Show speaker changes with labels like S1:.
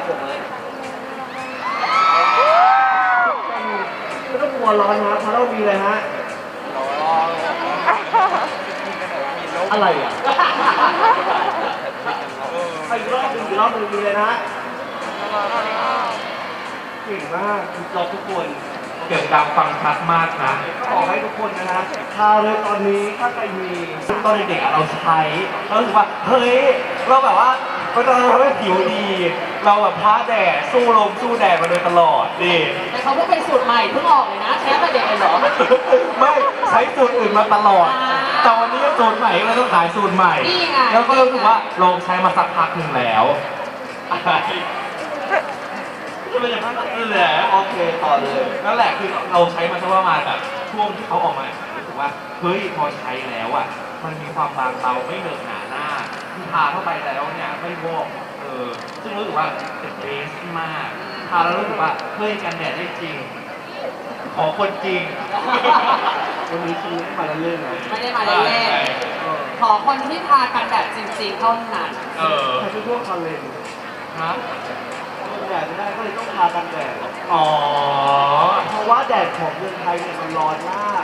S1: ผมเลยไม่ต้องกลัวร้อนนะเพราะเรามีเลยฮะอะไรอ่ะอีกรอบหนึ่งมีเลยนะเก่งมากเราทุกคน
S2: เสียงดังฟังชัดมากนะ
S1: ขอให้ทุกคนนะฮะทาเลยตอนนี้ถ้าใครมีตอนเด็กๆเราใช้เรารู้สึกว่าเฮ้ยเราแบบว่าเราทำให้ผิวดี เราแบบท้าแดดสู้ลมสู้แดดมาโดยตลอดนี่
S3: แต่เขาเพิ่งเป็นสูตรใหม่เพิ่งออกเลยนะใช้แต่เด็กเลยเหรอ
S2: ไม่ใช้สูตรอื่นมาตลอด แต่วันนี้ก็สูตรใหม่เราต้องขายสูตรใหม่
S3: นี่ไง
S2: แล้วก็รู้สึกว่าลองใช้มาสักพักหนึ่งแล้ว
S1: ก็เป็นอย่างนั้นแหละโอเคต่อเลย
S2: นั่นแหละคือเราใช้มาสักประมาณแบบช่วงที่เขาออกมารู้สึกว่าเฮ้ยพอใช้แล้วอ่ะมันมีความบางเบาไม่เหนอะหนาหน้าทาเข้าไปแล้วเนี่ยไม่วอกซึ่งรู้สึกว่าเป็นเบสมากทาแล้วรู้สึกว่าเฮ้ยกันแดดได้จริง ขอคนจริง
S1: วันนี้ชีไม่มาเล่นๆนะ
S3: ไม่ได้มาเล่นๆขอคนที่ทากันแบบจริงๆเท่านั้น
S1: ใช้เป็นพวกคอนเลน
S2: ฮะ
S1: แดดไม่ได้ก็เลยต้องทากันแดด
S2: อ๋อ
S1: เพราะว่าแดดของเมืองไทยเนี่ยมันร้อนมาก